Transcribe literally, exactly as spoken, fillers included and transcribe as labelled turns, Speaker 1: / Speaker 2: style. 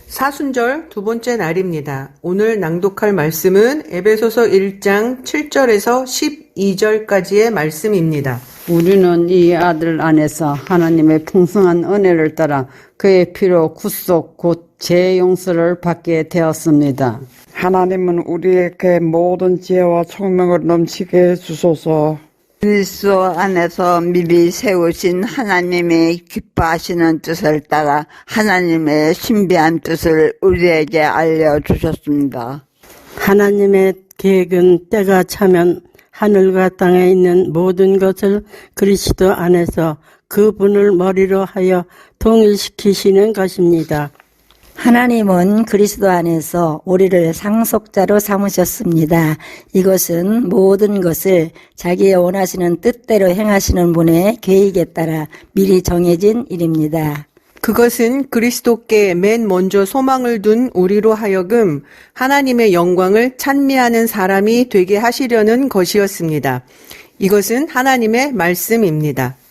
Speaker 1: 사순절 두 번째 날입니다. 오늘 낭독할 말씀은 에베소서 일 장 칠 절에서 십이 절까지의 말씀입니다.
Speaker 2: 우리는 이 아들 안에서 하나님의 풍성한 은혜를 따라 그의 피로 구속 곧 죄 용서를 받게 되었습니다.
Speaker 3: 하나님은 우리에게 모든 지혜와 총명을 넘치게 해주소서.
Speaker 4: 그리스도 안에서 미리 세우신 하나님의 기뻐하시는 뜻을 따라 하나님의 신비한 뜻을 우리에게 알려주셨습니다.
Speaker 5: 하나님의 계획은 때가 차면 하늘과 땅에 있는 모든 것을 그리스도 안에서 그분을 머리로 하여 통일시키시는 것입니다.
Speaker 6: 하나님은 그리스도 안에서 우리를 상속자로 삼으셨습니다. 이것은 모든 것을 자기의 원하시는 뜻대로 행하시는 분의 계획에 따라 미리 정해진 일입니다.
Speaker 1: 그것은 그리스도께 맨 먼저 소망을 둔 우리로 하여금 하나님의 영광을 찬미하는 사람이 되게 하시려는 것이었습니다. 이것은 하나님의 말씀입니다.